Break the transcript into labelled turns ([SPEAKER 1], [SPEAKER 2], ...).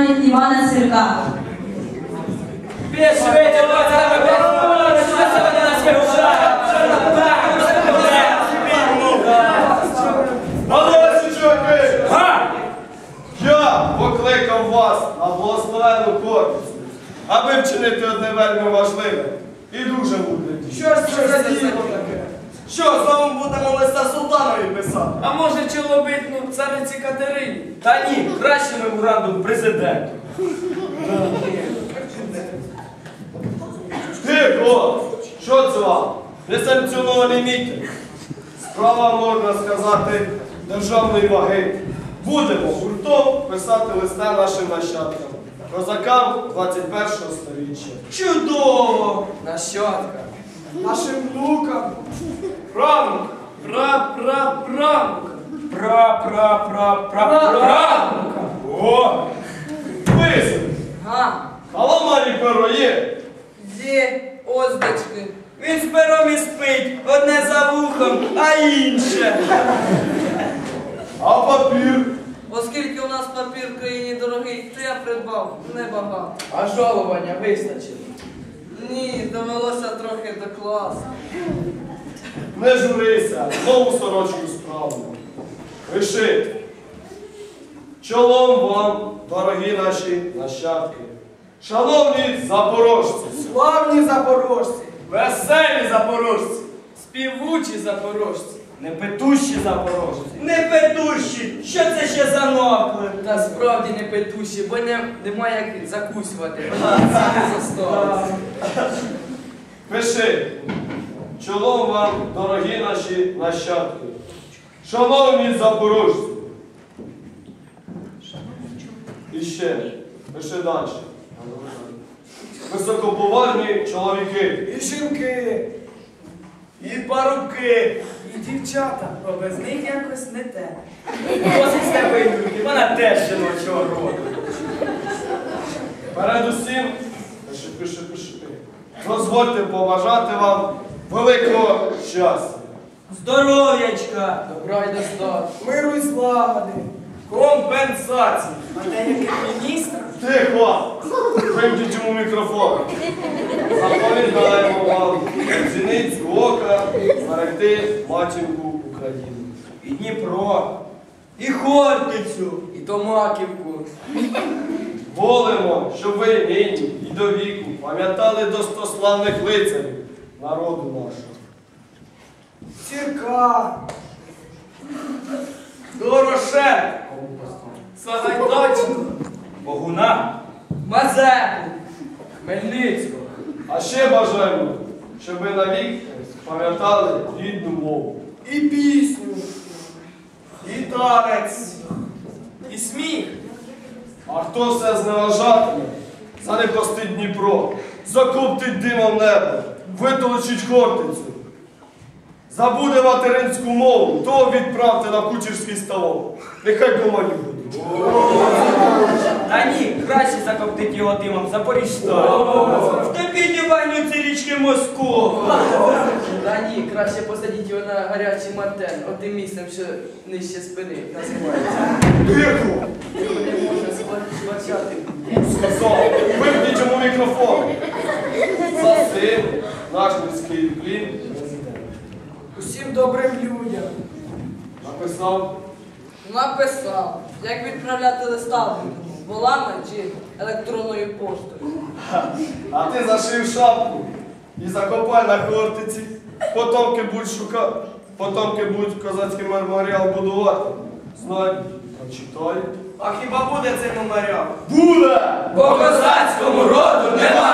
[SPEAKER 1] Івана Цвірка.
[SPEAKER 2] Я покликав вас на благословенну Хортицю, аби вчинити одне вельми важливе і дуже мудре.
[SPEAKER 3] Що ж це за діло таке? Що, знову будемо листа султанові писати?
[SPEAKER 4] А може чоловітну цариці Катерині? Та ні, краще меморандум президенту.
[SPEAKER 2] Тихо! Що це вам? Несанкціонований мітинг. Справа, можна сказати, державної ваги. Будемо гуртом писати листа нашим нащадкам, козакам 21-го сторіччя.
[SPEAKER 3] Чудово! Нащадка. Нашим внукам.
[SPEAKER 2] Правнук!
[SPEAKER 4] Пра-пра-правнука. Пра-пра-пра-пра-правнука. О!
[SPEAKER 2] Писар!
[SPEAKER 5] Га,
[SPEAKER 2] Каламарі перо є!
[SPEAKER 5] є оздочки.
[SPEAKER 4] Він з пером і спить, одне за вухом, а інше.
[SPEAKER 2] А папір?
[SPEAKER 5] Оскільки у нас папір в країні дорогий, то я придбав небагато.
[SPEAKER 3] А жалування вистачило.
[SPEAKER 5] Ні, довелося трохи докласти.
[SPEAKER 2] Не журися, знову сорочку справну. Пиши. Чолом вам, дорогі наші нащадки. Шановні запорожці,
[SPEAKER 3] Славні запорожці.
[SPEAKER 4] Веселі запорожці, співучі запорожці, непетущі запорожці. Непетущі! Що це ще за нокли?
[SPEAKER 5] Та справді не петуші, бо немає як закусувати. Це не засталося.
[SPEAKER 2] пиши. Чолом вам, дорогі наші нащадки. Шановні запорожці. І ще, пиши далі. Високоповажні чоловіки.
[SPEAKER 3] І жінки.
[SPEAKER 4] І парубки.
[SPEAKER 3] І дівчата. Бо без них якось не те.
[SPEAKER 4] Досить з тебе Юрки, вона теж жіночого роду.
[SPEAKER 2] Передусім, пиши. Дозвольте побажати вам великого щастя.
[SPEAKER 4] Здоров'ячка,
[SPEAKER 5] Добра й достатку.
[SPEAKER 3] Миру й злагоди.
[SPEAKER 4] компенсації.
[SPEAKER 3] А деяких міністрів.
[SPEAKER 2] Тихо! Вимкніть йому мікрофон. Заповідаємо вам зіниць ока зберегти матінку України.
[SPEAKER 4] І Дніпро, і Хортицю,
[SPEAKER 5] І Томаківку.
[SPEAKER 2] Волимо, щоб ви нині і до віку пам'ятали достославних лицарів народу нашого.
[SPEAKER 3] Цірка.
[SPEAKER 4] Дорошенка, Сагайдачного, Богуна,
[SPEAKER 5] Мазепу. Хмельницького.
[SPEAKER 2] А ще бажаємо, щоб ви навік пам'ятали рідну мову.
[SPEAKER 3] І пісню.
[SPEAKER 4] і танець, і сміх.
[SPEAKER 2] А хто все зневажатиме, занепастить Дніпро, закоптить димом небо, витолочить Хортицю. Забуде материнську мову, того відправте на кучерський ставок. Нехай комані будуть.
[SPEAKER 4] Та ні, краще закоптить його димом Запоріжжя. Втопіть у вогню ці річки Москву.
[SPEAKER 5] Та ні, краще посадіть його на гарячий мартен, отим місцем, що нижче спини називається.
[SPEAKER 2] Тихо!
[SPEAKER 5] Його не можна сплачати.
[SPEAKER 2] Сказав, вимкніть йому мікрофон. За цим наш міський плін президент.
[SPEAKER 3] Усім добрим людям.
[SPEAKER 2] Написав.
[SPEAKER 5] Написав, як відправляти листа волами чи електронною поштою.
[SPEAKER 2] А ти зашив шапку і закопай на Хортиці. Потомки будуть козацький меморіал будувати. Знай, прочитай.
[SPEAKER 4] А хіба буде цей меморіал?
[SPEAKER 2] Буде!
[SPEAKER 4] По козацькому роду нема